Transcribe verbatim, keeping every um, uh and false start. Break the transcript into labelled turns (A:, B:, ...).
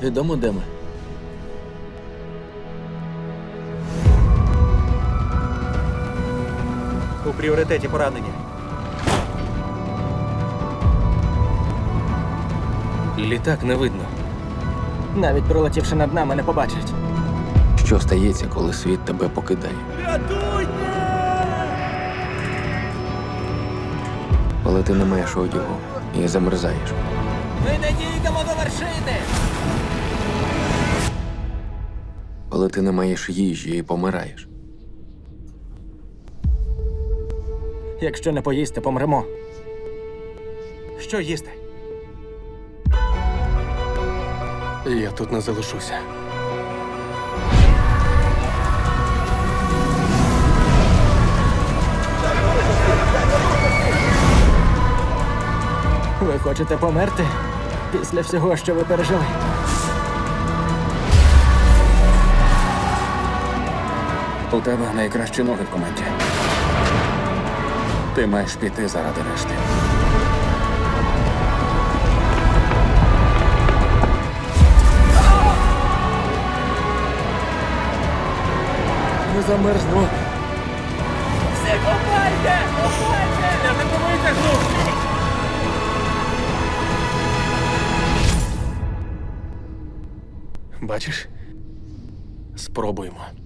A: Відомо, де ми?
B: У пріоритеті поранення.
A: Літак не видно.
C: Навіть пролетівши над нами, не побачать.
A: Що стається, коли світ тебе покидає? Коли ти не маєш одягу і замерзаєш.
C: Ми не дійдемо до вершини!
A: Коли ти не маєш їжі і помираєш.
C: Якщо не поїсти, помремо.
B: Що їсти?
A: Я тут не залишуся.
C: Ви хочете померти? Після всього, що ви пережили?
A: У тебе найкращі ноги в команді. Ти маєш піти заради решти.
C: Не замерзну. Все, копайте! Копайте! Не витримуйте глухі!
A: Бачиш? Спробуємо.